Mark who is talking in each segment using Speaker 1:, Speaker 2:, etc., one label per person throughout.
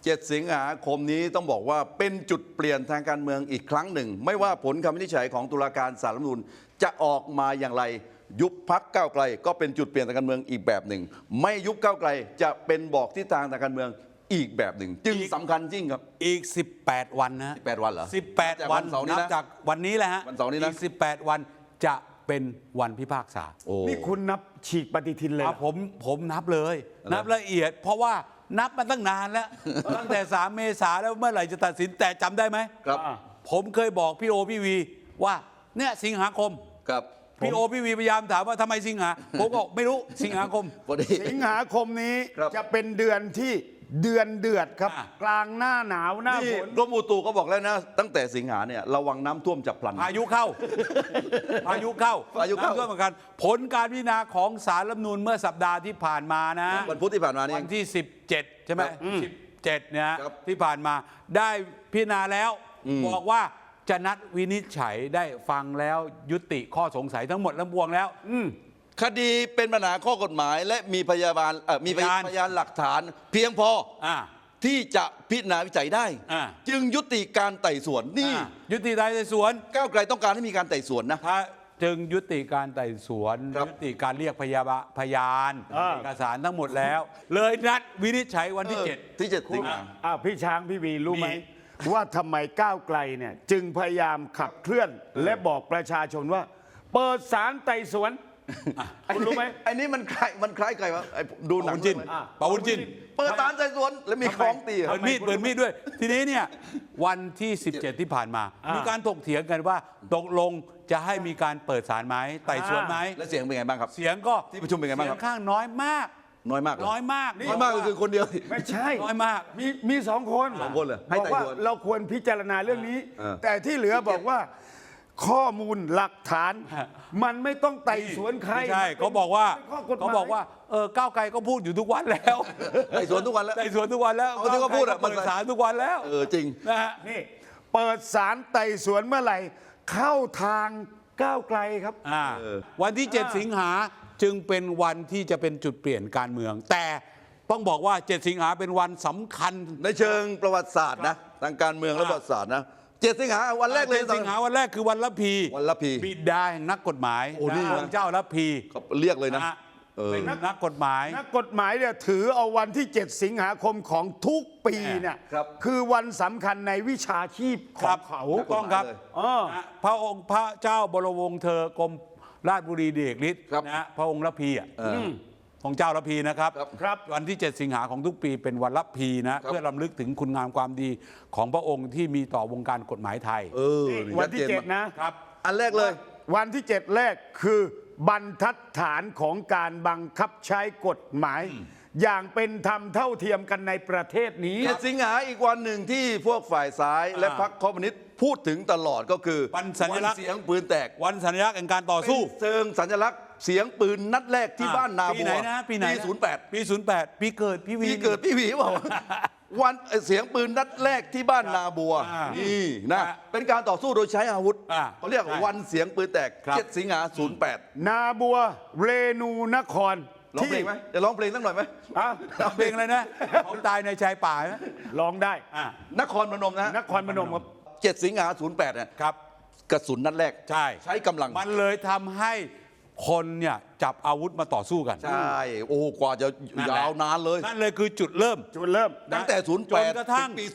Speaker 1: 7 สิงหาคมนี้ต้องบอกว่าเป็นจุดเปลี่ยนทางการเมืองอีกครั้งหนึ่งไม่ว่าผลคำวินิจฉัยของตุลาการศาลรัฐธรรมนูญจะออกมาอย่างไรยุบพรรคก้าวไกลก็เป็นจุดเปลี่ยนทางการเมืองอีกแบบหนึ่งไม่ยุบก้าวไกลจะเป็นบอกทิศทางทางการเมืองอีกแบบหนึ่งจึงสำคัญจริงครับ
Speaker 2: อีก18 วันนะ
Speaker 1: 18 วันเหรอ
Speaker 2: 18 วันนับจากวันนี้แหละฮะ
Speaker 1: วันเสาร์นี้นะ
Speaker 2: อีก18 วันจะเป็นวันพิพากษา
Speaker 3: นี่คุณนับฉีกปฏิทินเลย
Speaker 2: ผมนับเลยนับละเอียดเพราะว่านับมาตั้งนานแล้ว ตั้งแต่3 เมษาแล้วเมื่อไหร่จะตัดสินแต่จำได้ไหม
Speaker 1: ครับ
Speaker 2: ผมเคยบอกพี่โอพี่วีว่าเนี่ยสิงหาคม
Speaker 1: ครับ
Speaker 2: พี่โอพี่วีพยายามถามว่าทำไมสิงหาผมก็ไม่รู้สิงหาคม
Speaker 3: สิงหาคมนี้จะเป็นเดือนที่เดือดครับกลางหน้าหนาวหน้าฝน
Speaker 1: กรมอุตุก็บอกแล้วนะตั้งแต่สิงหาเนี่ยระวังน้ำท่วมฉับพลัน
Speaker 2: พายุเข้าพายุเข้าน้ำท่วมเหมือนกันผลการพิจารณาของศาลรัฐธรรมนูญเมื่อสัปดาห์ที่ผ่านมานะ
Speaker 1: วันพุธที่ผ่านมานี่
Speaker 2: วันที่17ใช่ไหม17เนี่ยที่ผ่านมาได้พิจารณาแล้วบอกว่าจะนัดวินิจฉัยได้ฟังแล้วยุติข้อสงสัยทั้งหมดทั้งปวงแล้ว
Speaker 1: คดีเป็นปัญหาข้อกฎหมายและมีพยานหลักฐานเพียงพอที่จะพิจารณาวิจัยได้จึงยุติการไต่สวนนี่
Speaker 2: ยุติการไต่สวน
Speaker 1: ก้าวไกลต้องการให้มีการไต่สวนนะ
Speaker 2: จึงยุติการไต่สวนยุติการเรียกพยานเอกสารทั้งหมดแล้วเลยนัดวินิจฉัยวันที่7
Speaker 1: สิงหา
Speaker 3: พี่ช้างพี่วีรู้ไหมว่าทำไมก้าวไกลเนี่ยจึงพยายามขับเคลื่อนและบอกประชาชนว่าเปิดศาลไต่สวนคุณรู้ไหม
Speaker 1: ไอ้นี่มันคล้ายใครวะดูหนัง
Speaker 2: จินปาวุ้นจิน
Speaker 1: เปิดศาลไต่สวนแล้วมีของตี
Speaker 2: เปิดมีดด้วยทีนี้เนี่ยวันที่17ที่ผ่านมามีการถกเถียงกันว่าตกลงจะให้มีการเปิดศาลไหมไต่สวนไหม
Speaker 1: แล้วเสียงเป็นไงบ้างครับ
Speaker 2: เสียงก็
Speaker 1: ที่ประชุมเป็นไงบ้างครับ
Speaker 2: เสียงข้างน้อยมาก
Speaker 1: น้อยมาก
Speaker 2: ก็
Speaker 1: คือคนเดียว
Speaker 3: ไม่ใช่
Speaker 2: น้อยมาก
Speaker 3: มี2 คน
Speaker 1: เลย
Speaker 3: บอกว่าเราควรพิจารณาเรื่องนี้แต่ที่เหลือบอกว่าข้อมูลหลักฐานมันไม่ต้องไต่สวนใคร
Speaker 2: ใช่เขาบอกว่าก้าวไกลก็พูดอยู่ทุกวันแล้ว
Speaker 1: ไต่สวนทุกวันแล้ว
Speaker 2: เขาที่เขาพูดเปิดศาลทุกวันแล้ว
Speaker 1: จริง
Speaker 2: นะฮะ
Speaker 3: นี่เปิดศาลไต่สวนเมื่อไหร่เข้าทางก้าวไกลครับ
Speaker 2: วันที่7 สิงหาจึงเป็นวันที่จะเป็นจุดเปลี่ยนการเมืองแต่ต้องบอกว่า7 สิงหาเป็นวันสำคัญ
Speaker 1: ในเชิงประวัติศาสตร์นะทางการเมืองและประวัติศาสตร์นะ7 สิงหาวันแรกเลย
Speaker 2: 7 สิงหาวันแรกคือวันละพีบิดาแห่งนักกฎหมายองค์เจ้าละพี
Speaker 1: เรียกเลยนะ
Speaker 2: เป็นนักกฎหมาย
Speaker 3: เนี่ยถือเอาวันที่7 สิงหาคมของทุกปีเนี่ยคือวันสำคัญในวิชาชีพของเขา
Speaker 2: ต้องครับพระองค์พระเจ้าบรมวงศ์เธอกรมราชบุรีเดชฤทธิ์นะพระองค์ละพีของเจ้าละพีนะครับวันที่7 สิงหาของทุกปีเป็นวันละพีนะเพื่อรำลึกถึงคุณงามความดีของพระองค์ที่มีต่อวงการกฎหมายไทย
Speaker 3: วันที่7นะครับ
Speaker 1: อันแรกเลย
Speaker 3: วันที่7แรกคือบรรทัดฐานของการบังคับใช้กฎหมายอย่างเป็นธรรมเท่าเทียมกันในประเทศนี้
Speaker 1: 7 สิงหาอีกวันหนึ่งที่พวกฝ่ายซ้ายและพรรคคอมมิวนิสต์พูดถึงตลอดก็คือ
Speaker 2: วันสัญลักษณ์
Speaker 1: เสียงปืนแตก
Speaker 2: วันสัญลักษณ์แห่งการต่อสู้
Speaker 1: เชิงสัญลักษณ์เสียงปืนนัดแรกที่บ้านนาบัว
Speaker 2: ปีไหนนะปี08ปีเกิดพี่
Speaker 1: วีบอกวันเสียงปืนนัดแรกที่บ้านนาบัวนี่นะเป็นการต่อสู้โดยใช้อาวุธเขาเรียกวันเสียงปืนแตก7 สิงหา08
Speaker 3: นาบัวเรนูนคร
Speaker 1: ร้องเพลงไหมจะร้องเพลงสักหน่อยไหม
Speaker 2: ร้องเพลงอะไรนะเขาตายในชายป่าไหม
Speaker 3: ร้องได้
Speaker 1: นครพนมนะ
Speaker 3: นครพนมครับ
Speaker 1: 7 สิงหา08เนี่ย
Speaker 2: ครับ
Speaker 1: กระสุนนัดแรกใช้กำลัง
Speaker 2: มันเลยทำให้คนเนี่ยจับอาวุธมาต่อสู้กัน
Speaker 1: ใช่โอ้กว่าจะยาวนานเลย
Speaker 2: นั่นเลยคือจุดเริ่ม
Speaker 1: ตั้งแต่08
Speaker 2: จนกระทั่งปี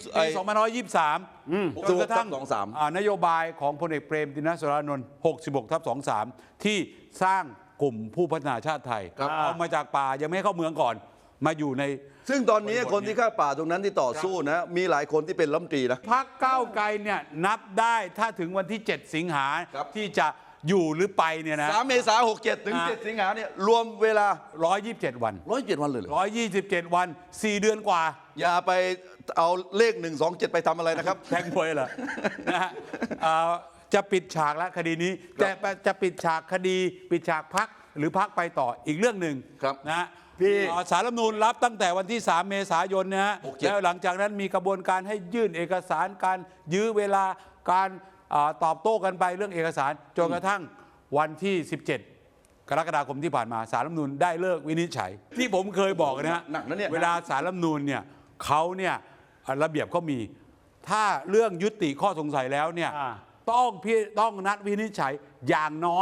Speaker 2: 2523จนกระทั่งนโยบายของพลเอกเปรมติณสรานนท์66/23ที่สร้างกลุ่มผู้พัฒนาชาติไทยเอามาจากป่ายังไม่เข้าเมืองก่อนมาอยู่ใน
Speaker 1: ซึ่งตอนนี้คนที่ฆ่าป่าตรงนั้นที่ต่อสู้นะมีหลายคนที่เป็นรัฐมนตรีนะ
Speaker 2: พรรคก้าวไกลเนี่ยนับได้ถ้าถึงวันที่7 สิงหาที่จะอยู่หรือไปเนี่ยนะ
Speaker 1: 3 เมษายน67ถึง7 สิงหาเนี่ยรวมเวลา
Speaker 2: 127 วัน
Speaker 1: 127 วันเลยเหรอ
Speaker 2: 127 วัน4 เดือนกว่า
Speaker 1: อย่าไปเอาเลข127ไปทำอะไรนะครับ
Speaker 2: แทงมวยเหรอนะฮะจะปิดฉากแล้วคดีนี้แต่จะปิดฉากคดีปิดฉากพรรคหรือพรรคไปต่ออีกเรื่องหนึ่งนะศาลรัฐธรรมนูญรับตั้งแต่วันที่3 เมษายนนะฮะแล้วหลังจากนั้นมีกระบวนการให้ยื่นเอกสารการยื้อเวลาการตอบโต้กันไปเรื่องเอกสารจนกระทั่งวันที่17 กรกฎาคมที่ผ่านมาศาลรัฐธรรมนูญได้เลิกวินิจฉัยที่ผมเคยบอกนะฮะเวลาศาลรัฐธรรมนูญเนี่ยเขาเนี่ยระเบียบก็มี ถ้าเรื่องยุติข้อสงสัยแล้วเนี่ยต้องนัดวินิจฉัยอย่างน้อย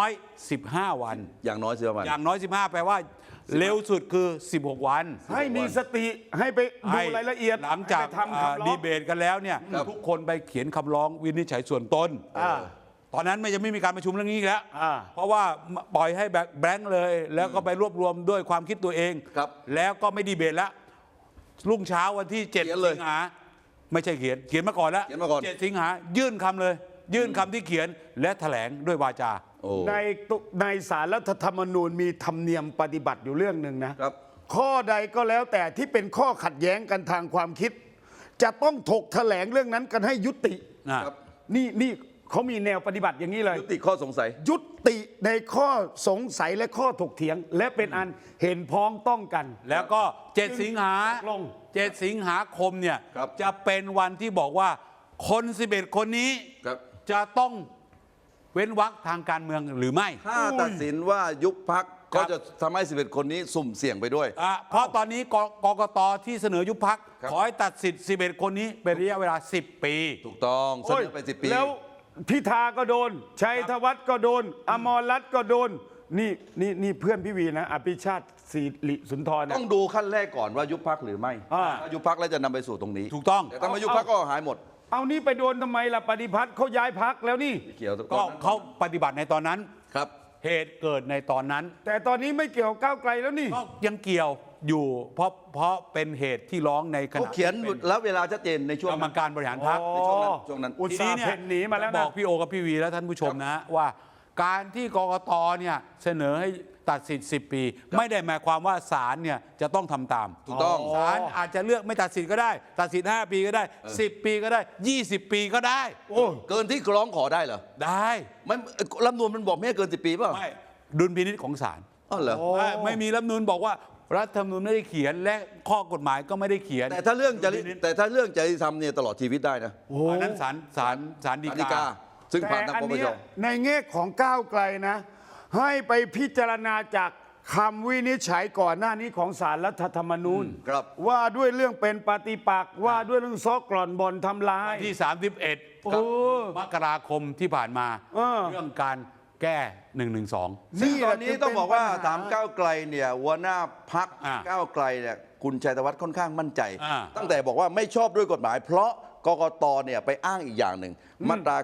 Speaker 2: 15 วัน
Speaker 1: อย่างน้อย15 วัน
Speaker 2: อย่างน้อย 15 แปลว่าเร็วสุดคือ 16 วัน
Speaker 3: ให้มีสติให้ไปดูรายละเอียด
Speaker 2: หลังจาก
Speaker 3: ให้ไปทำคำร้อง
Speaker 2: ดีเบตกันแล้วเนี่ย
Speaker 1: ครับ
Speaker 2: ทุกคนไปเขียนคำร้องวินิจฉัยส่วนตนตอนนั้นไม่จะไม่มีการประชุมเรื่องนี้อีกแล้ว เพราะว่าปล่อยให้แบงค์เลย แล้วก็ไปรวบรวมด้วยความคิดตัวเอง
Speaker 1: ครับ
Speaker 2: แล้วก็ไม่ดีเบตแล้วรุ่งเช้าวันที่
Speaker 1: เขียน
Speaker 2: 7
Speaker 1: เลย
Speaker 2: สิงหาไม่ใช่เขียนมาก่อนแล้ว
Speaker 1: เขียนมาก่อน
Speaker 2: 7 สิงหายื่นคำเลย ยื่นคำที่เขียนและแถลงด้วยวาจา
Speaker 1: โอ้
Speaker 3: ในศาลรัฐธรรมนูญมีธรรมเนียมปฏิบัติอยู่เรื่องหนึ่งนะครับ ข้อใดก็แล้วแต่ที่เป็นข้อขัดแย้งกันทางความคิด จะต้องถกแถลงเรื่องนั้นกันให้ยุติ
Speaker 1: ครับ
Speaker 3: นี่เขามีแนวปฏิบัติอย่างนี้เลย
Speaker 1: ยุติข้อสงสัย
Speaker 3: ยุติในข้อสงสัยและข้อถกเถียง และเป็นอันเห็นพ้องต้องกัน
Speaker 2: แล้วก็ 7 สิงหา
Speaker 3: ตกลง
Speaker 2: 7 สิงหาคมเนี่ย
Speaker 1: ครับ
Speaker 2: จะเป็นวันที่บอกว่าคน 11 คนนี้
Speaker 1: ครับ
Speaker 2: จะต้องเว้นวรรคทางการเมืองหรือไม่
Speaker 1: ถ้าตัดสินว่ายุบพักก็จะทำให้11 คนนี้สุ่มเสี่ยงไปด้วย
Speaker 2: เพราะตอนนี้กกตที่เสนอยุบพัก
Speaker 1: ครับ
Speaker 2: ขอให้ตัดสิทธิ์ 11 คนนี้เป็นระยะเวลา 10 ปี
Speaker 1: ถูกต้องเสนอไป10 ปี
Speaker 3: แล้วพิธาก็โดน ชัยธวัฒน์ก็โดน อมรรัตน์ก็โดน นี่เพื่อนพี่วีนะ อภิชาติศิริสุนทรนะ
Speaker 1: ต้องดูขั้นแรกก่อนว่ายุบพักหรือไม่
Speaker 3: อ่า
Speaker 1: ถ้ายุบพักแล้วจะนำไปสู่ตรงนี้
Speaker 2: ถูกต้อง
Speaker 1: แต่ถ้าไม่ยุบพักก็หายหมด
Speaker 3: เอานี่ไปโดนทำไมล่ะปฏิพัฒน์เขาย้ายพักแล้วนี่
Speaker 1: ไม่เกี่ยว
Speaker 2: ก็เขาปฏิบัติในตอนนั้น
Speaker 1: ครับ
Speaker 2: เหตุเกิดในตอนนั้น
Speaker 3: แต่ตอนนี้ไม่เกี่ยวกับก้าวไกลแล้วนี่
Speaker 2: ก็ยังเกี่ยวอยู่เพราะเป็นเหตุที่ร้องในข
Speaker 1: เขา
Speaker 2: ณะ
Speaker 1: เขียนแล้วเวลาชัดเจนในช่วง
Speaker 2: กรรมการบริหารพรรค
Speaker 1: ในช่วงนั้น
Speaker 3: อุตส่าห์เพ่นหนีมาแล้ว
Speaker 2: บ
Speaker 3: นะ
Speaker 2: อกพี่โอกับพี่วีและท่านผู้ชมนะว่าการที่กกตเนี่ยเสนอให้ตัดสิทธิ์ 10 ปี ไม่ได้หมายความว่าศาลเนี่ยจะต้องทำตาม
Speaker 1: ถูกต้อง
Speaker 2: ศาลอาจจะเลือกไม่ตัดสิทธิ์ก็ได้ ตัดสิทธิ์5 ปีก็ได้ 10 ปีก็ได้ 20 ปีก็ได้
Speaker 3: โอ้
Speaker 1: เกินที่ร้องขอได้เหรอ
Speaker 2: ได้
Speaker 1: มันรัฐธรรมนูญมันบอกไม่ให้เกิน10 ปีเปล่า
Speaker 2: ไม่ดุลพินิจของศาล
Speaker 1: อ๋อเหรอ
Speaker 2: ไม่มีรัฐธรรมนูญบอกว่ารัฐธรรมนูญไม่ได้เขียนและข้อกฎหมายก็ไม่ได้เขียน
Speaker 1: แต่ถ้าเรื่องจริยธรรมเนี่ยตลอดชีวิตได้นะ
Speaker 2: อันนั้นศาลฎี
Speaker 1: ฎี
Speaker 2: กา
Speaker 1: กาซึ่งผ่านทาง
Speaker 3: แต่
Speaker 1: ป
Speaker 3: อัน
Speaker 1: ป
Speaker 3: เนี้
Speaker 1: ช
Speaker 3: ยในแง่ของก้าวไกลนะ ให้ไปพิจารณาจากคำวินิจฉัยก่อนหน้านี้ของศาลรัฐธรรมนูญ
Speaker 1: ครับ
Speaker 3: ว่าด้วยเรื่องเป็นปฏิปักษ์ว่าด้วยเรื่องซอกกร่อนบ่อนทำลาย
Speaker 2: ที่
Speaker 3: โอ้
Speaker 2: 31 มกราคมที่ผ่านมา เรื่องการแก้112
Speaker 1: ซึ่งตอนนี้ต้องบอกว่า
Speaker 3: เป็นปัญหา
Speaker 1: ถามก้าวไกลเนี่ยหัวหน้าพัก ก้าวไกลเนี่ยคุณชัยธวัฒน์ค่อนข้างมั่นใจ ตั้งแต่บอกว่าไม่ชอบด้วยกฎหมาย เพราะกกตเนี่ยไปอ้างอีกอย่างหนึ่งมาตรา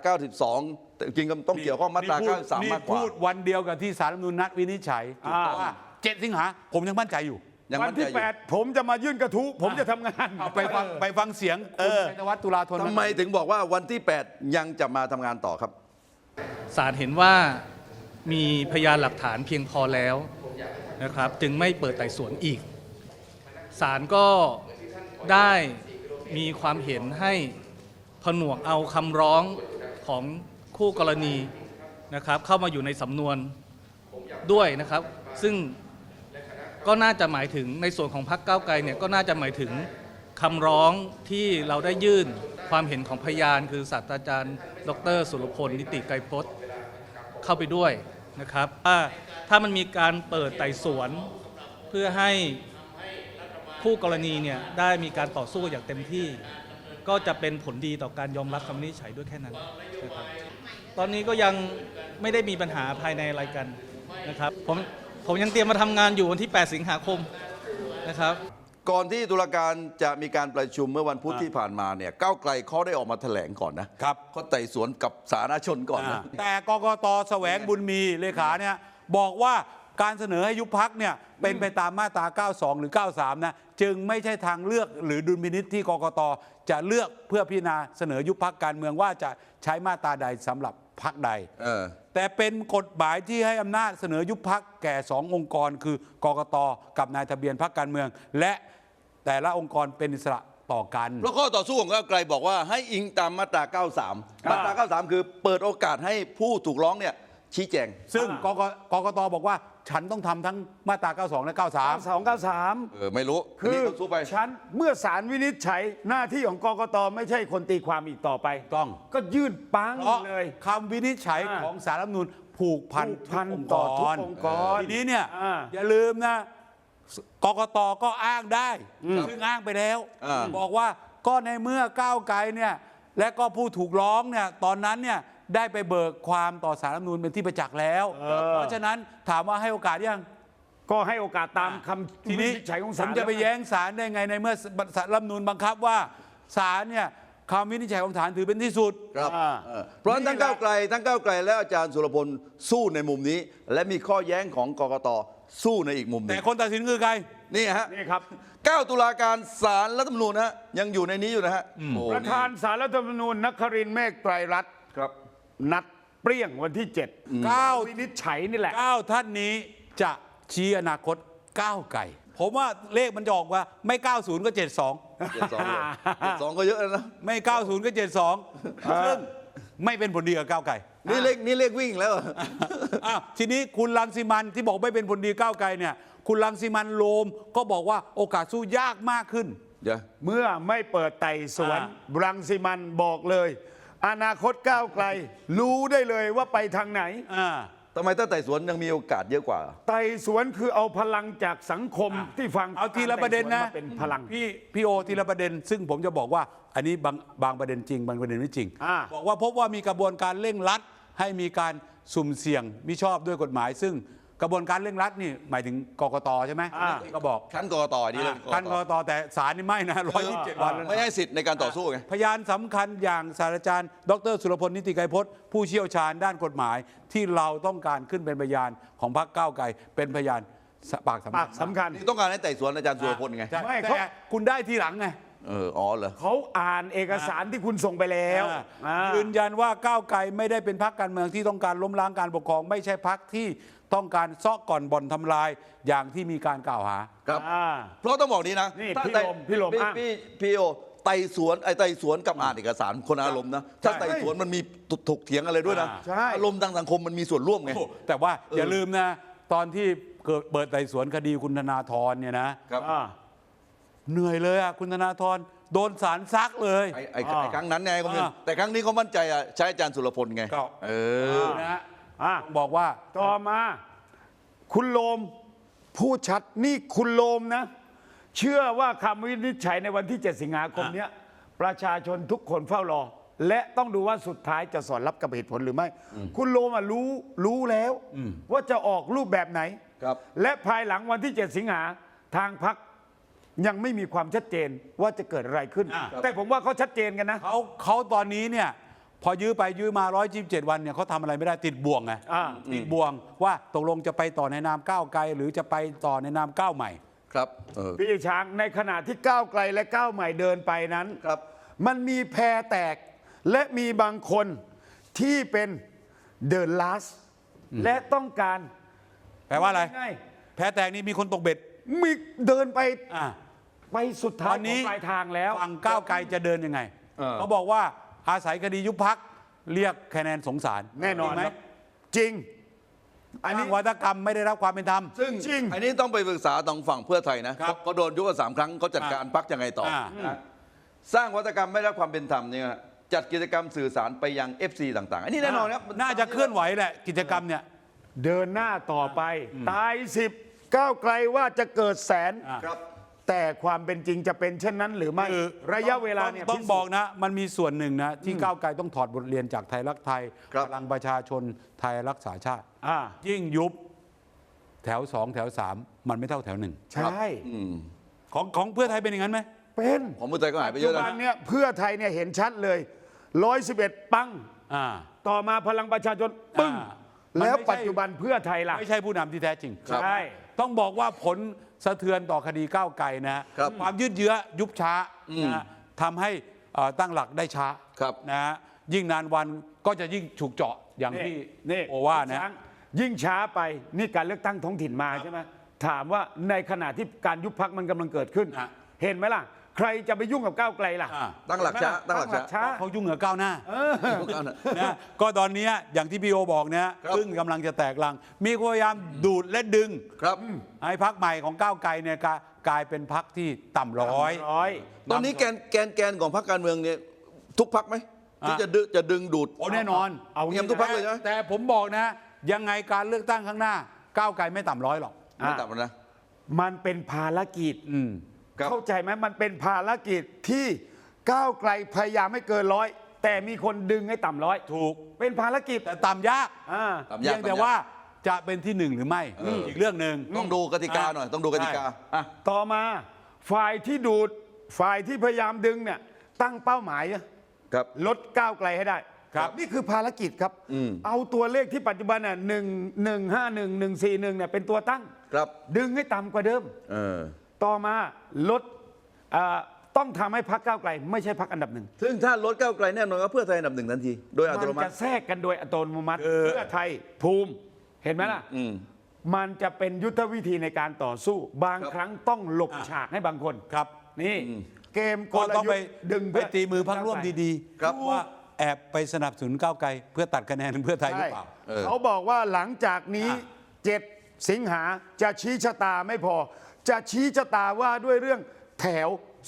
Speaker 1: 92แต่จริงๆต้องเกี่ยวข้องมาตรา 93 มากกว่า
Speaker 2: พูดวันเดียวกับที่ศาลรัฐธรรมนูญนัดวินิจฉัยว่า 7 สิงหาผมยังมั่นใจอยู่
Speaker 1: ยัง
Speaker 3: วัน
Speaker 1: มั่นใจ
Speaker 3: ที่
Speaker 1: อยู่
Speaker 3: 8 ผมจะมายื่นกระทู้ผมจะทำงาน
Speaker 2: เอาไปฟังเสียงคุณชัยธวัฒน์ตุลาธน
Speaker 1: ทำไมถึงบอกว่าวันที่ 8 ยังจะมาทำงานต่อครับ
Speaker 4: ศาลเห็นว่ามีพยานหลักฐานเพียงพอแล้วนะครับจึงไม่เปิดไต่สวนอีกศาลก็ได้มีความเห็นให้ผนวกเอาคำร้องของคู่กรณีนะครับเข้ามาอยู่ในสำนวนด้วยนะครับซึ่งก็น่าจะหมายถึงในส่วนของพรรคก้าวไกลเนี่ยก็น่าจะหมายถึงคำร้องที่เราได้ยื่นความเห็นของพยานคือศาสตราจารย์ดร.สุรพลนิติไกรพจน์เข้าไปด้วยนะครับถ้ามันมีการเปิดไต่สวนเพื่อให้ผู้กรณีเนี่ยได้มีการต่อสู้อย่างเต็มที่ ก็จะเป็นผลดีต่อการยอมรับคำวินิจฉัยด้วยแค่นั้นนะครับตอนนี้ก็ยังไม่ได้มีปัญหาภายในอะไรกันนะครับผมยังเตรียมมาทำงานอยู่วันที่ 8 สิงหาคมนะครับ
Speaker 1: ก่อนที่ตุลาการจะมีการประชุมเมื่อวันพุธที่ผ่านมาเนี่ยก้าวไกลเขาได้ออกมาแถลงก่อนนะครับ เขาไต่สวนกับสาธารณชนก่อนนะ
Speaker 2: แต่กกตแสวงบุญมีเลขาเนี่ยบอกว่าการเสนอให้ยุบพักเนี่ยเป็นไปตามมาตรา 92 หรือ 93 นะจึงไม่ใช่ทางเลือกหรือดุลพินิจที่กกตจะเลือกเพื่อพิจารณาเสนอยุบพักการเมืองว่าจะใช้มาตราใดสำหรับพักใด แต่เป็นกฎหมายที่ให้อำนาจเสนอยุบพักแก่ 2 องค์กร คือกกตกับนายทะเบียนพักการเมือง และแต่ละองค์กรเป็นอิสระต่อกัน
Speaker 1: เพราะข้อต่อสู้ของก้าวไกลบอกว่าให้อิงตามมาตรา 93 มาตรา 93 คือเปิดโอกาสให้ผู้ถูกร้องเนี่ยชี้แจง
Speaker 2: ซึ่งกกตบอกว่าฉันต้องทำทั้งมาตรา 92 และ 93
Speaker 3: 293
Speaker 1: ไม่รู้
Speaker 3: คือ
Speaker 1: ต้องสู้ไป
Speaker 3: ฉันเมื่อศาลวินิจฉัยหน้าที่ของกกตไม่ใช่คนตีความอีกต่อไป
Speaker 2: ต้อง
Speaker 3: ก็ยื่นปัง
Speaker 2: เพราะ
Speaker 3: เลย
Speaker 2: คำวินิจฉัยของศาลรัฐธรรมนูญผูกพัน
Speaker 3: ผูกพัน
Speaker 2: ทุก
Speaker 3: ต่อทุก
Speaker 2: ร
Speaker 3: องค์กร
Speaker 2: ทีนี้เนี่ย
Speaker 3: อ่า
Speaker 2: อย่าลืมนะกกตก็อ้างได้ซึ่งอ้างไปแล้ว บอกว่าก็ในเมื่อก้าวไกลเนี่ยและก็ผู้ถูกร้องเนี่ยตอนนั้นเนี่ยได้ไปเบิกความต่อศาลรัฐธรรมนูญเป็นที่ประจักษ์แล้ว เพราะฉะนั้นถามว่าให้โอกาสยัง
Speaker 3: ก็ให้โอกาสตามคำ
Speaker 2: ที
Speaker 3: วิ
Speaker 2: นี้
Speaker 3: นิจฉัยของ
Speaker 2: ผ
Speaker 3: ศาล
Speaker 2: มจะไปแย้งศาลได้ไงในเมื่อศาลรัฐธรรมนูญบังคับว่าศาลเนี่ยคำวินิจฉัยของศาลถือเป็นที่สุด
Speaker 1: ครับเพราะฉะนั้นทั้งก้าวไกลและอาจารย์สุรพลสู้ในมุมนี้ และมีข้อแย้งของกกตสู้ในอีกมุมหนึ
Speaker 2: แต่
Speaker 1: ง
Speaker 2: คนตัดสินคือใคร
Speaker 1: นี่ฮะ
Speaker 3: นี่ครับ
Speaker 1: 9 ตุลาการศาลรัฐธรรมนูญฮะยังอยู่ในนี้อยู่นะฮะโอ้
Speaker 3: ประธานศาลรัฐธรรมนูญนครินทร์เมฆไตรรัตน์
Speaker 1: ครับ
Speaker 3: นัดเปรี้ยงวันที่ 7วินิจฉัยนี่แหละ
Speaker 2: 9 ท่านนี้จะชี้อนาคตก้าวไกลผมว่าเลขมันจะออกว่าไม่ 90 ก็ 72
Speaker 1: 72ก็เยอะแล้วนะ
Speaker 2: ไม่ 90 ก็ 72 ซึ่งไม่เป็นผลดีกับก้าวไกล
Speaker 1: นี่เลขวิ่งแล้ว
Speaker 2: อ้าวทีนี้คุณรังสิมันที่บอกไม่เป็นผลดีก้าวไกลเนี่ยคุณรังสิมันโรมก็บอกว่าโอกาสสู้ยากมากขึ้น
Speaker 1: เดี๋ยว
Speaker 3: เมื่อไม่เปิดไต่สวนรังสิมันบอกเลย อนาคตก้าวไกล รู้ได้เลยว่าไปทางไหน
Speaker 1: ทำไมถ้าไต่สวนยังมีโอกาสเยอะกว่า
Speaker 3: ไต่สวนคือเอาพลังจากสังคมที่ฟัง
Speaker 2: เอาทีละประเด็นนะ
Speaker 3: ไต่สวมาเป็นพลัง
Speaker 2: พี่โอทีละประเด็น ซึ่งผมจะบอกว่าอันนี้บางประเด็นจริงบางประเด็นไม่จริง บอกว่าพบว่ามีกระบวนการเร่งรัดให้มีการสุ่มเสี่ยงมิชอบด้วยกฎหมาย ซึ่งกระบวนการเร่งรัดนี่หมายถึงกกตใช่ไหมก็บอก
Speaker 1: ขั้นกกตนี่เลย
Speaker 2: ขั้นกกตแต่ศาลนี่ไม่นะ127 วันแล้ว
Speaker 1: ไม่
Speaker 2: นะ
Speaker 1: ให้สิทธิ์ในการต่อสู้ไง
Speaker 2: พยานสำคัญอย่างศาสตราจารย์ ดรสุรพลนิติไกรพจน์ผู้เชี่ยวชาญด้านกฎหมาย ที่เราต้องการขึ้นเป็นพยานของพรรคก้าวไกลเป็นพยานปากสำ
Speaker 3: ปา
Speaker 2: คั
Speaker 3: ก
Speaker 2: ญ
Speaker 3: สำคัญ
Speaker 1: นี่ต้องการให้ไต่สวนอาจารย์สุรพลไง
Speaker 2: ใช่
Speaker 3: ไม่
Speaker 2: แต่
Speaker 3: เขา
Speaker 2: คุณได้ทีหลังไง
Speaker 1: อ๋อเหรอ
Speaker 3: เขาอ่านเอกสารที่คุณส่งไปแล้วา
Speaker 2: ยืนยันว่าก้าวไกลไม่ได้เป็นพรรคการเมืองที่ต้องการล้มล้างการปกครอง ไม่ใช่พรรคที่ต้องการซ้อก่อนบ่อนทำลายอย่างที่มีการกล่าวหา
Speaker 1: ครับ
Speaker 3: อ่า
Speaker 1: เพราะต้องบอกนี้นะ
Speaker 3: นี่
Speaker 1: ถ้า
Speaker 3: พี่ลมอ้าง
Speaker 1: พี่โอไต่สวนกับอ่านเอกสารคนอารมณ์นะถ้าไต่สวนมันมีถกเถียงอะไรด้วยนะ
Speaker 3: ใช่
Speaker 1: อารมณ์ทางสังคมมันมีส่วนร่วมไง
Speaker 2: แต่ว่าอย่าลืมนะ ตอนที่เกิดเปิดไต่สวนคดีคุณธนาธรเนี่ยนะครับ
Speaker 3: อ่า
Speaker 2: เหนื่อยเลยอ่ะคุณธนาธรโดนศาลซักเลย
Speaker 1: ไอ้ครั้งนั้นไงก็ไม่
Speaker 2: อ่า
Speaker 1: แต่ครั้งนี้เขามั่นใจอะใช้อาจารย์สุรพลไง
Speaker 2: ก็ นะฮะ
Speaker 3: อ่า
Speaker 2: บอกว่า
Speaker 3: ต่อมา คุณโลมพูดชัดนี่คุณโลมนะ เชื่อว่าคำวินิจฉัยในวันที่ 7 สิงหาคมเนี้ยประชาชนทุกคนเฝ้ารอ และต้องดูว่าสุดท้ายจะสอดรับกับเหตุผลหรือไม่ คุณโลมรู้แล้วว่าจะออกรูปแบบไหน
Speaker 1: ครับ
Speaker 3: และภายหลังวันที่ 7 สิงหาทางพรรคยังไม่มีความชัดเจนว่าจะเกิดอะไรขึ้น แต่ผมว่าเขาชัดเจนกันนะ
Speaker 2: เขาตอนนี้เนี่ยพอยื้อไปยื้อมา127 วันเนี่ยเขาทำอะไรไม่ได้ติดบ่วงไง
Speaker 3: อ่า
Speaker 2: ติดบ่วงว่าตกลงจะไปต่อในนามก้าวไกล หรือจะไปต่อในนามก้าวใหม่
Speaker 1: ครับ
Speaker 3: พี่ช้างในขณะที่ก้าวไกลและก้าวใหม่เดินไปนั้น
Speaker 1: ครับ
Speaker 3: มันมีแพรแตกและมีบางคนที่เป็นเดินลาสและต้องการ
Speaker 2: แปลว่าอะไร
Speaker 3: ง่าย
Speaker 2: แพ้แตกนี่มีคนตกเบ็ด
Speaker 3: ๆมีเดินไป
Speaker 2: อ่า
Speaker 3: ไปสุดท้าย
Speaker 2: วัน
Speaker 3: ข
Speaker 2: นี้
Speaker 3: องปลายทางแล้ว
Speaker 2: ฝั่งก้าวไกลจะเดินยังไง เขาบอกว่าอาศัยคดียุบพักเรียกคะแนนสงสาร
Speaker 3: แน่นอน
Speaker 2: จริงไหม
Speaker 3: ครับจริง
Speaker 2: อันนี้วัฒกรรมไม่ได้รับความเป็นธรรม
Speaker 1: ซึ่ง
Speaker 3: จริง
Speaker 1: อันนี้ต้องไปปรึกษาทางฝั่งเพื่อไทยนะครับ เขาโดนยุบมา3 ครั้งเขาจัดการพักยังไงต่อนะสร้างวัฒกรรมไม่ได้รับความเป็นธรรมเนี่ยจัดกิจกรรมสื่อสารไปยัง FC ต่างๆ อันนี้แน่นอนครับ
Speaker 2: น่าจะเคลื่อนไหวแหละกิจกรรมเนี่ย
Speaker 3: เดินหน้าต่อไป ตาย10ก้าวไกลว่าจะเกิดแสน
Speaker 1: ครับ
Speaker 3: แต่ความเป็นจริงจะเป็นเช่นนั้นหรือไม่
Speaker 2: คือ
Speaker 3: ระยะเวลาเนี่ย
Speaker 2: ต้องบอกนะ มันมีส่วนหนึ่งนะ ที่ก้าวไกลต้องถอดบทเรียนจากไทยรักไทย
Speaker 1: ครับ
Speaker 2: พลังประชาชนไทยรักษาชาติ
Speaker 3: อ่า
Speaker 2: ยิ่งยุบแถว 2 แถว 3 มันไม่เท่าแถว 1
Speaker 3: ใช่
Speaker 2: ของเพื่อไทยเป็นอย่างนั้นไหม
Speaker 3: เป็น
Speaker 1: ของเพื่อไทยก็หายไป
Speaker 3: ปัจ
Speaker 1: เย
Speaker 3: จุ
Speaker 1: อะ
Speaker 3: บัน
Speaker 1: นะ
Speaker 3: เนี่ยเพื่อไทยเนี่ยเห็นชัดเลย111ปัง
Speaker 2: อ่า
Speaker 3: ต่อมาพลังประชาชนปึ้ง
Speaker 2: มันไม่ใช่
Speaker 3: แล้วปัจจุบันเพื่อไทยล่ะ
Speaker 2: ไม่ใช่ผู้นำที่แท้จริง
Speaker 3: ใช่
Speaker 2: ต้องบอกว่าผลสะเทือนต่อคดีก้าวไกลนะฮะ
Speaker 1: ครับ
Speaker 2: ความยืดเยื้อยุบช้านะฮะทำให้ตั้งหลักได้ช้า
Speaker 1: ครับ
Speaker 2: นะฮะยิ่งนานวันก็จะยิ่งถูกเจาะอย่างที่
Speaker 3: นี่
Speaker 2: โอว่านะ
Speaker 3: ช้งยิ่งช้าไปนี่การเลือกตั้งท้องถิ่นมาใช่ไหมถามว่าในขณะที่การยุบพักมันกำลังเกิดขึ้น
Speaker 2: ฮะ
Speaker 3: เห็นไหมล่ะ ใครจะไปยุ่งกับก้าวไกลล่ะ
Speaker 2: อ่า
Speaker 1: ตั้งหลักช้าตั้งหลักช้า
Speaker 2: เขายุ่งกับก้าวหน้านะก็ตอนนี้อย่างที่พี่โอบอกนะ
Speaker 1: ครับ
Speaker 2: ซึ่งกำลังจะแตกลัง มีพยายามดูดและดึง
Speaker 1: ครับ
Speaker 2: ให้พักใหม่ของก้าวไกลเนี่ยกลายเป็นพักที่ต่ำร้อย
Speaker 1: ตอนนี้แกนของพรรคการเมืองเนี่ยทุกพรรคไหมที่จะดึงดูด
Speaker 2: โอ้แน่นอน
Speaker 3: เอา
Speaker 1: เงียบทุกพรรคเลยนะ
Speaker 2: แต่ผมบอกนะ ยังไงการเลือกตั้งข้างหน้า ก้าวไกลไม่ต่ำร้อยหรอก
Speaker 1: ไม่ต่ำแล้วนะ
Speaker 3: มันเป็นภารกิจ
Speaker 2: อืม
Speaker 1: ครับ
Speaker 3: เข้าใจไหมมันเป็นภารกิจที่ก้าวไกลพยายามให้เกินร้อยแต่มีคนดึงให้ต่ำร้อย
Speaker 2: ถูก
Speaker 3: เป็นภารกิจ
Speaker 2: แต่ต่ำยาก
Speaker 1: ต่ำ
Speaker 2: เพี
Speaker 1: ยาก
Speaker 2: ยงแต่ว่าจะเป็นที่หนึ่งหรือไม่อีกเรื่องหนึ่ง
Speaker 1: ต้องดูกติกาหน่อยต้องดูกติกาอ่ะ
Speaker 3: ต่อมาฝ่ายที่ดูดฝ่ายที่พยายามดึงเนี่ยตั้งเป้าหมายอะ
Speaker 1: ครับ
Speaker 3: ลดก้าวไกลให้ได้
Speaker 2: ครับ
Speaker 3: นี่คือภารกิจครับ เอาตัวเลขที่ปัจจุบันน่ะ1151141เนี่ยเป็นตัวตั้ง
Speaker 1: ครับ
Speaker 3: ดึงให้ต่ำกว่าเดิม
Speaker 1: เออ
Speaker 3: ต่อมาลดต้องทำให้พรรคก้าวไกลไม่ใช่พรรคอันดับหนึ่ง
Speaker 1: ซึ่งถ้าลดก้าวไกลแน่นอนก็เพื่อไทยอันดับหนึ่งทันที โดยอัตโน
Speaker 3: มัน
Speaker 1: มั
Speaker 3: จะ
Speaker 1: ติ
Speaker 3: แทรกกันโดยอัตโนมัติเพื่อไทยภูมิเห็นไหมล่ะ มันจะเป็นยุทธวิธีในการต่อสู้ บางครั้งต้องหลบฉากให้บางคน
Speaker 2: ครับ
Speaker 3: นี่เกมก
Speaker 2: ก็
Speaker 3: ล
Speaker 2: ต้อง
Speaker 3: ยุท
Speaker 2: ไป
Speaker 3: ธ์ดึง
Speaker 2: ไปตีมือพักร่วมดี
Speaker 1: ครับ
Speaker 2: ๆว่าแอบไปสนับสนุนก้าวไกลเพื่อตัดคะแนนเพื่อไทยหรือ
Speaker 3: ใช่
Speaker 2: เปล่า
Speaker 3: เขาบอกว่าหลังจากนี้ 7 สิงหาจะชี้ชะตาไม่พอ จะชี้ชะตาว่าด้วยเรื่องแถว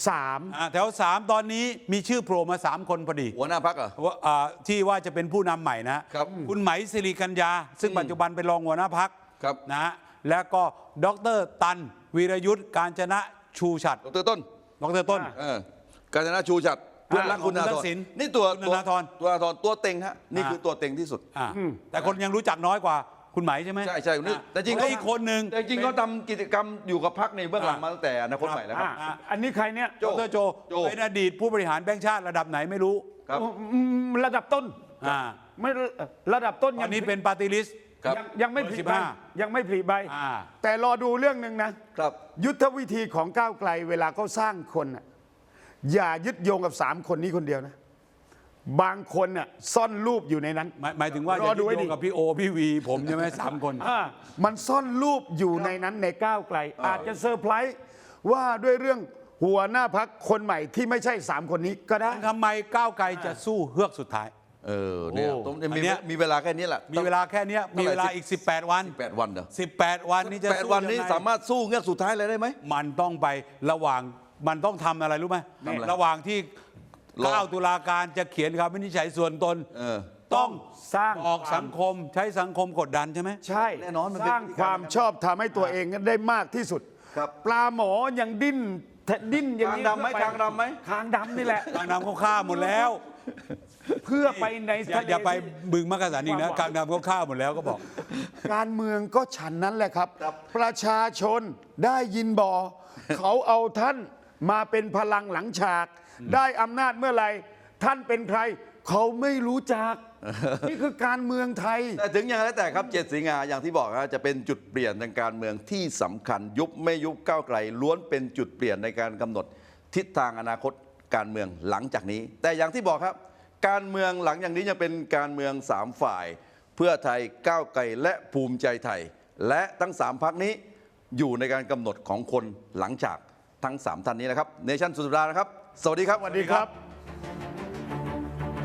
Speaker 3: 3
Speaker 2: แถว 3 ตอนนี้มีชื่อโผล่มา 3 คนพอดี
Speaker 1: หัวหน้าพักเหรอ
Speaker 2: ว่าที่ว่าจะเป็นผู้นำใหม่นะครับ คุณไหมสิริกัญญา ซึ่งปัจจุบันเป็นรองหัวหน้าพัก
Speaker 1: ครับ
Speaker 2: นะฮะแล้วก็ดรตันวีรยุทธ์การจนะชูฉัตร
Speaker 1: ดรต้น
Speaker 2: ดรต้น
Speaker 1: กาญจนาชูชัดเพื่อนรักคุณธนา
Speaker 2: คุณทั
Speaker 1: ธ
Speaker 2: ก
Speaker 1: ร
Speaker 2: ษิณ
Speaker 1: นี่ตัว
Speaker 2: คุณธนาธร
Speaker 1: ตัวเต็งฮะนี่คือตัวเต็งที่สุด
Speaker 2: แต่คนยังรู้จักน้อยกว่าคุณไหมใช่ไหม
Speaker 1: ใช่นี่แต่จริง
Speaker 2: แล้วอีกคนหนึ่ง
Speaker 1: แต่จริงเขาทำกิจกรรมอยู่กับพักในเบื้องหลังมาตั้งแต่อนาคตใหม่แล้วครับ
Speaker 3: อันนี้ใครเนี่ย
Speaker 1: โจ้
Speaker 2: ดรโจเป็นอดีตผู้บริหารแบงค์ชาติระดับไหนไม่รู้
Speaker 1: ครับ
Speaker 3: ระดับต้น
Speaker 2: อ่า
Speaker 3: ไม่ระดับต้น
Speaker 2: ตอนนี้เป็นปาร์ตี้ลิสต์
Speaker 1: ครับ
Speaker 3: ยังไม่ผลิใบ
Speaker 2: 15
Speaker 3: ยังไม่ผลิใบ
Speaker 2: อ่า
Speaker 3: แต่รอดูเรื่องหนึ่งนะ
Speaker 1: ครับ
Speaker 3: ยุทธวิธีของก้าวไกลเวลาเขาสร้างคนน่ะอย่ายึดโยงกับ3 คนนี้คนเดียวนะ บางคนน่ะซ่อนรูปอยู่ในนั้น
Speaker 2: หมายถึงว่าจะ
Speaker 3: รอดู
Speaker 2: ยึด
Speaker 3: ให้
Speaker 2: โย
Speaker 3: ดี
Speaker 2: งกับพี่โอพี่วีผมใช่ไหม3 คน
Speaker 3: มันซ่อนรูปอยู่ในนั้นในก้าวไกล อาจจะเซอร์ไพรส์ว่าด้วยเรื่องหัวหน้าพักคนใหม่ที่ไม่ใช่ 3 คนนี้ก็ได้
Speaker 2: ทำไมก้าวไกลจะสู้เฮือกสุดท้าย
Speaker 1: เนี่ย
Speaker 3: โอ้
Speaker 1: ตรง
Speaker 2: อันเนี้ย
Speaker 1: มีเวลาแค่นี้แหละ
Speaker 2: มีเวลาแค่เนี้ยมีเวลาอีก 18 วัน
Speaker 1: 8 วันเหรอ
Speaker 2: 18 วันนี้จะ
Speaker 1: 8 วันนี้
Speaker 2: สู้ยังไง
Speaker 1: สามารถสู้เงือกสุดท้ายเลยได้ไหม
Speaker 2: มันต้องไประหว่างมันต้องทำอะไรรู้ไหม
Speaker 1: ทำอะไร
Speaker 2: ระหว่างที่
Speaker 1: รอ
Speaker 2: 9 ตุลาการจะเขียนคำวินิจฉัยส่วนตน ต้อง
Speaker 3: สร้าง
Speaker 2: ออกสังคมใช้สังคมกดดันใช่ไหม
Speaker 3: ใช่
Speaker 1: แน่นอนมันเป็น
Speaker 3: สร้างความชอบทำให้ตัวเองได้มากที่สุด
Speaker 1: ครับ
Speaker 3: ปลาหมอยังดิ้นอย่างนี้
Speaker 1: คางดำไหม
Speaker 3: เพื่อป
Speaker 1: คางดำไหม
Speaker 3: คางดำนี่แหละ
Speaker 2: กลางน้ำเขาฆ่าหมดแล้ว
Speaker 3: เพื่อไปใน
Speaker 2: อย่าไปบึงมักกะสันอีกนะกลางน้ำเขาฆ่าหมดแล้วก็บอก
Speaker 3: การเมืองก็ฉันนั้นแหละครับ ประชาชนได้ยินบ่อ เขาเอาท่านมาเป็นพลังหลังฉาก ได้อำนาจเมื่อไหร่ท่านเป็นใคร เขาไม่รู้จัก นี่คือการเมืองไทย
Speaker 1: แต่ถึงอย่างไรแต่ครับ7 สิงหาอย่างที่บอกนะจะเป็นจุดเปลี่ยนทางการเมืองที่สำคัญยุบไม่ยุบก้าวไกลล้วนเป็นจุดเปลี่ยนในการกำหนดทิศทางอนาคตการเมืองหลังจากนี้ แต่อย่างที่บอกครับ การเมืองหลังอย่างนี้ยังเป็นการเมือง3 ฝ่าย เพื่อไทยก้าวไกลและภูมิใจไทย และทั้ง3 พรรคนี้อยู่ในการกำหนดของคนหลังจากทั้ง3 ท่านนี้นะครับเนชั่นสุดสัปดาห์นะครับ สวัสดีครับ
Speaker 3: สวัสดีครับ